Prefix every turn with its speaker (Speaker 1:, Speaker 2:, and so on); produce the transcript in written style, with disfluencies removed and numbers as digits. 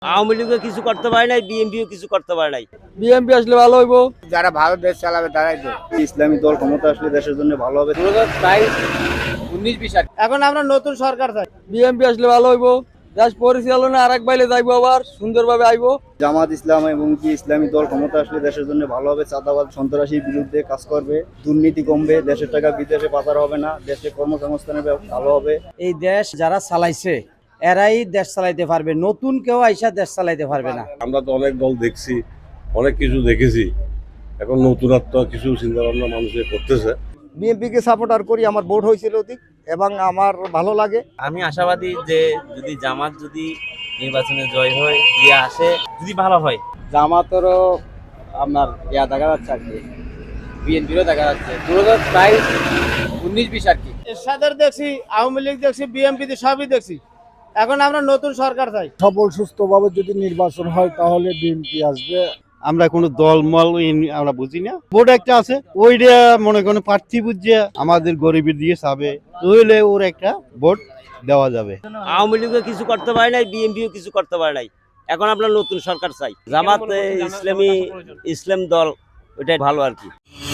Speaker 1: আওয়ামী লীগও কিছু করতে পারে নাই, বিএনপিও কিছু করতে পারে নাই।
Speaker 2: বিএনপি আসলে ভালো হইব।
Speaker 3: যারা ভালো দেশ চালাবে তারাই তো। ইসলামী দল ক্ষমতা আসলে দেশের জন্য ভালো হবে।
Speaker 2: 2022 এখন আমরা নতুন সরকার চাই। বিএনপি আসলে ভালো হইব। দেশ পরিচালনা আরেক বাইলে যাইবো, আবার সুন্দরভাবে আইবো।
Speaker 3: জামাত ইসলাম এবং কি ইসলামী দল ক্ষমতা আসলে দেশের জন্য ভালো হবে। চাঁদাবাদ সন্ত্রাসীর বিরুদ্ধে কাজ করবে, দুর্নীতি কমবে, দেশের টাকা বিদেশে পাচার হবে না, দেশে কর্মসংস্থানের ভালো হবে।
Speaker 4: এই দেশ যারা চালাইছে এরাই দেশ চালাইতে পারবে, নতুন কেউ আইসা দেশ চালাইতে পারবে না।
Speaker 5: আমরা তো অনেক দল দেখছি, অনেক কিছু দেখেছি, এখন নতুনত্ব কিছু চিন্তা ভাবনা মানুষের করতেছে।
Speaker 3: বিএনপিকে সাপোর্টার করি, আমার ভোট হয়েছিল অধিক এবং আমার ভালো লাগে।
Speaker 1: আমি আশাবাদী যে যদি জামাত যদি নির্বাচনে জয় হয়, দিয়ে আসে, যদি ভালো হয়।
Speaker 2: জামাতেরও আপনার দেখা যাচ্ছে আর কি, বিএনপিরও দেখা যাচ্ছে 2022 আর কি। এরশাদের দেখছি, আওয়ামী লীগ দেখছি, বিএনপি সবই দেখছি। এখন আমরা নতুন সরকার চাই।
Speaker 6: সফল সুস্থভাবে যদি নির্বাচন হয় তাহলে বিএনপি আসবে।
Speaker 7: আমরা কোনো দলমল আমরা বুঝি না, ভোট একটা আছে, ওইটা মনে করেন প্রার্থী বুঝছে আমাদের গরিবের দিকে চাবে, তাহলে ওর একটা ভোট দেওয়া যাবে।
Speaker 1: আওয়ামী লীগও কিছু করতে পারে নাই, বিএনপিও কিছু করতে পারে নাই। এখন আমরা নতুন সরকার চাই। জামাত ইসলাম দল ওইটাই ভালো আর কি।